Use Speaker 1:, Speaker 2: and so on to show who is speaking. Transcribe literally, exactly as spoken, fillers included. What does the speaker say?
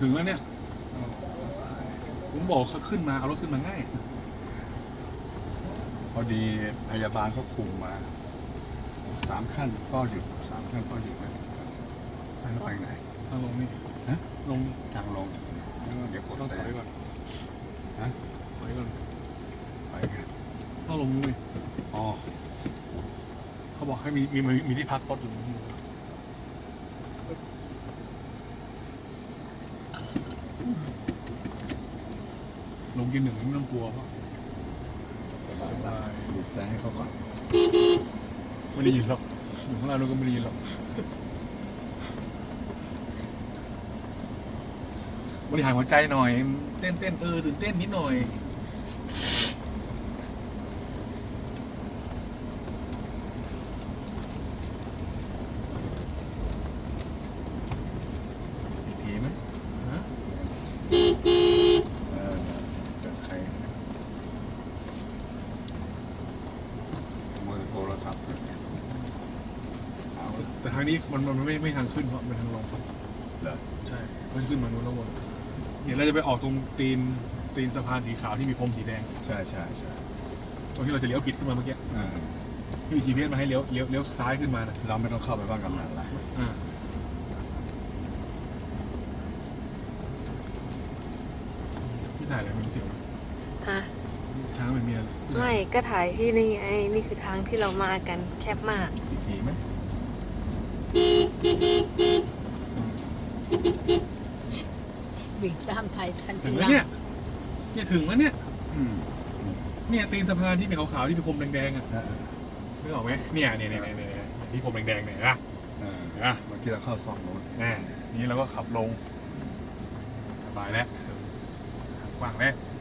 Speaker 1: ถึงแล้วเนี่ยผมบอกเขาขึ้นมาเอารถขึ้นมาง่าย
Speaker 2: พอดีพยาบาลเขาคุมมาสามขั้นก็หยุดสามขั้นก็หยุดไปไปไหน
Speaker 1: ทางลงนี่
Speaker 2: ฮะ
Speaker 1: ลง
Speaker 2: ทางลงเดี๋ยวกด
Speaker 1: ต้องถ
Speaker 2: แต่
Speaker 1: อยก่อน
Speaker 2: ฮะ
Speaker 1: ถอยก่อน
Speaker 2: ไปไง
Speaker 1: ต้องลงนู่นนี่
Speaker 2: อ๋อ
Speaker 1: เขาบอกให้มีมีมีมีที่พักรถอยู่นี่ลงกินหนึ่งไม่ต้องกลัวเพราะ
Speaker 2: สบายหยุดแต่ให้เขาก่อน
Speaker 1: ไม่ได้ยินหรอกอยู่ข้างล่างเราก็ไม่ได้ยินหรอกบริหารหัวใจหน่อย เต้นเต้นเออตื่นเต้นนิดหน่อย
Speaker 2: อีกทีไหม
Speaker 1: นะ
Speaker 2: เออเกิดใครมือโทรศัพท์เอา
Speaker 1: แต่ทางนี้มันมันไม่ไม่ทางขึ้นเพราะมันทางลง
Speaker 2: เหรอ
Speaker 1: ใช่มันขึ้นมานู้นแล้ววนเดี๋ยวเราจะไปออกตรงตีนตีนสะพานสีขาวที่มีพรมสีแดง
Speaker 2: ใช่ใช่ใช่
Speaker 1: ตรงที่เราจะเลี้ยวผิดขึ้นมาเมื่อกี้
Speaker 2: อ่า
Speaker 1: ที่มี จี พี เอส มาให้เลี้ยวเลี้ยวเลี้ยวซ้ายขึ้นมานะ
Speaker 2: เราไม่ต้องเข้าไปบ้านกำนันละ
Speaker 1: อ่าพี่ถ่ายอะไรมันมีเสียงไหม
Speaker 3: ฮะ
Speaker 1: ทางมันมีอะไร
Speaker 3: ไม่ก็ถ่ายที่นี่ไอ้นี่คือทางที่เรามากันแคบมาก
Speaker 2: อีกทีไหม
Speaker 4: วิ่งตามไทยทัน
Speaker 1: ถึ
Speaker 4: ที
Speaker 1: งแล้วเนี่ยเนี่ยถึงแล้วเนี่ย
Speaker 2: อืม
Speaker 1: เนี่ยตีนสะพานที่เป็นขาวๆที่มีพรมแดงๆอ่ะ
Speaker 2: อ่า
Speaker 1: นึกออกไหมเนี่ยเนี่ยเนี่ยเนี่ยเนี่ยที่พรมแดงๆเนี่ยนะ
Speaker 2: อ่า
Speaker 1: นะ
Speaker 2: เมื่อกี้เราเข้าซองโน้น
Speaker 1: แน่นี้เราก็ขับลงสบายแล้วกว้างแล้ว